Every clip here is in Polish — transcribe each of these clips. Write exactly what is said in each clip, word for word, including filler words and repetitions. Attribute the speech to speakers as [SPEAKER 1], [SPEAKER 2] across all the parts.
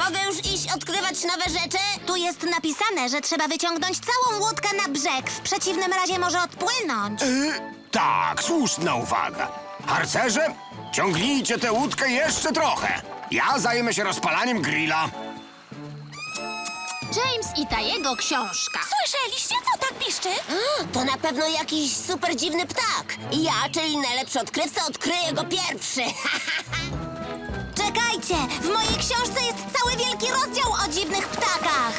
[SPEAKER 1] Mogę już iść odkrywać nowe rzeczy?
[SPEAKER 2] Tu jest napisane, że trzeba wyciągnąć całą łódkę na brzeg. W przeciwnym razie może odpłynąć.
[SPEAKER 3] Y, tak, słuszna uwaga. Harcerze, ciągnijcie tę łódkę jeszcze trochę. Ja zajmę się rozpalaniem grilla.
[SPEAKER 4] James i ta jego książka.
[SPEAKER 2] Słyszeliście, co tak piszczy?
[SPEAKER 1] To na pewno jakiś super dziwny ptak. Ja, czyli najlepszy odkrywca, odkryję go pierwszy.
[SPEAKER 2] Czekajcie! W mojej książce jest cały wielki rozdział o dziwnych ptakach.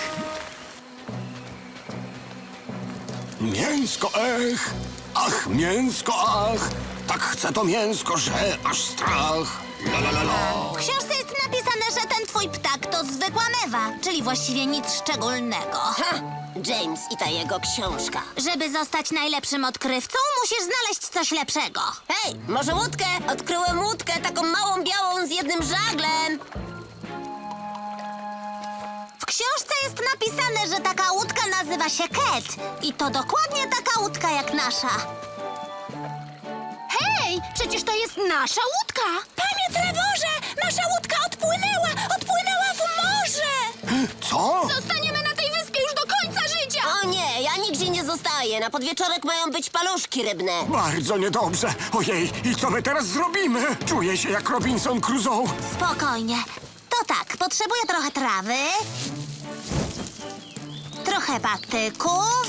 [SPEAKER 3] Mięsko, ech, ach, mięsko, ach. Tak chcę to mięsko, że aż strach. La, la, la, la.
[SPEAKER 2] W książce jest napisane, że ten twój ptak to zwykła mewa, czyli właściwie nic szczególnego.
[SPEAKER 1] Ha! James i ta jego książka.
[SPEAKER 2] Żeby zostać najlepszym odkrywcą, musisz znaleźć coś lepszego.
[SPEAKER 1] Hej, może łódkę? Odkryłem łódkę, taką małą, białą z jednym żaglem.
[SPEAKER 2] W książce jest napisane, że taka łódka nazywa się Cat. I to dokładnie taka łódka jak nasza.
[SPEAKER 4] Hej, przecież to jest nasza łódka!
[SPEAKER 2] Panie Trevorze, nasza łódka odpłynęła! Odpłynęła w morze!
[SPEAKER 3] Co?
[SPEAKER 4] Zostaniemy na tej wyspie już do końca życia!
[SPEAKER 1] O nie, ja nigdzie nie zostaję. Na podwieczorek mają być paluszki rybne.
[SPEAKER 3] Bardzo niedobrze. Ojej, i co my teraz zrobimy? Czuję się jak Robinson Crusoe.
[SPEAKER 2] Spokojnie. To tak, potrzebuję trochę trawy, trochę patyków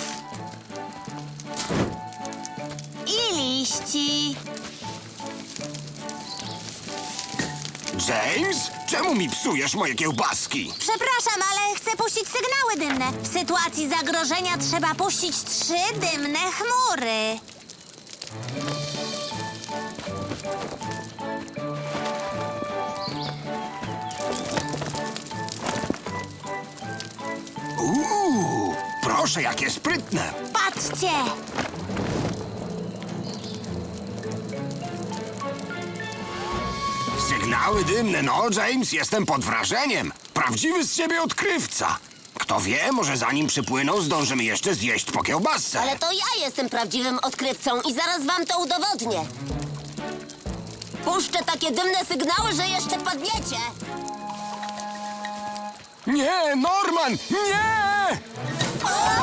[SPEAKER 2] i liści.
[SPEAKER 3] James, czemu mi psujesz moje kiełbaski?
[SPEAKER 2] Przepraszam, ale chcę puścić sygnały dymne. W sytuacji zagrożenia trzeba puścić trzy dymne chmury.
[SPEAKER 3] Uuu, proszę, jakie sprytne.
[SPEAKER 2] Patrzcie!
[SPEAKER 3] Sygnały dymne, no, James, jestem pod wrażeniem. Prawdziwy z ciebie odkrywca. Kto wie, może zanim przypłyną, zdążymy jeszcze zjeść po kiełbasce.
[SPEAKER 1] Ale to ja jestem prawdziwym odkrywcą i zaraz wam to udowodnię. Puszczę takie dymne sygnały, że jeszcze padniecie.
[SPEAKER 3] Nie, Norman, nie!
[SPEAKER 1] O!